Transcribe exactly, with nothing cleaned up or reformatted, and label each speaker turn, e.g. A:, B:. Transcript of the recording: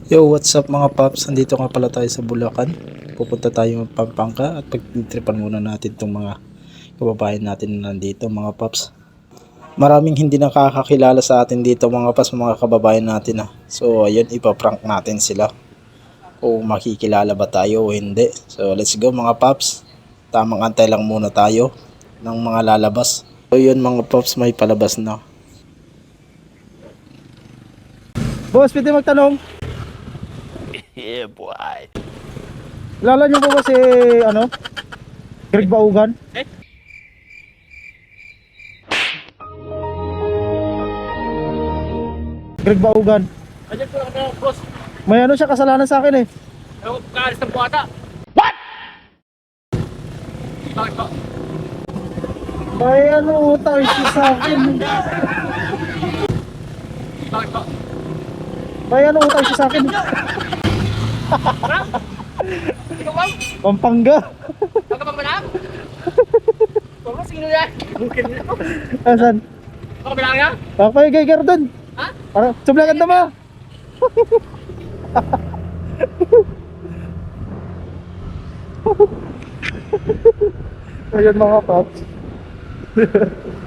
A: Yo, what's up mga paps? Andito nga pala tayo sa Bulacan. Pupunta tayo ng Pampanga at pagtripan muna natin itong mga kababayan natin na nandito mga paps. Maraming hindi nakakakilala sa atin dito mga paps, mga kababayan natin ah. So ayun, ipaprank natin sila kung makikilala ba tayo o hindi. So let's go mga paps. Tamang antay lang muna tayo ng mga lalabas. So yun mga paps, may palabas na.
B: Boss, pwede magtanong?
C: Yeah, boy.
B: Kilala niyo po ba si, ano? Greg Baugan?
C: Eh?
B: Greg Baugan.
C: Andiyan po ako, boss.
B: May ano siya kasalanan sa akin eh.
C: Ewan ko, kaalis ng buhata. What? Bakit po?
B: May ano utang siya sa akin.
C: Bakit po?
B: May ano utang siya sa akin.
C: Ikaw ba?
B: Pampanga.
C: Huwag ka pa malam? Huwag mo, sino yan?
B: Asan?
C: Huwag ka bilang yan?
B: Ako yung gaygar dun.
C: Ha?
B: Para, sublakan na mo. Ayun mga paps.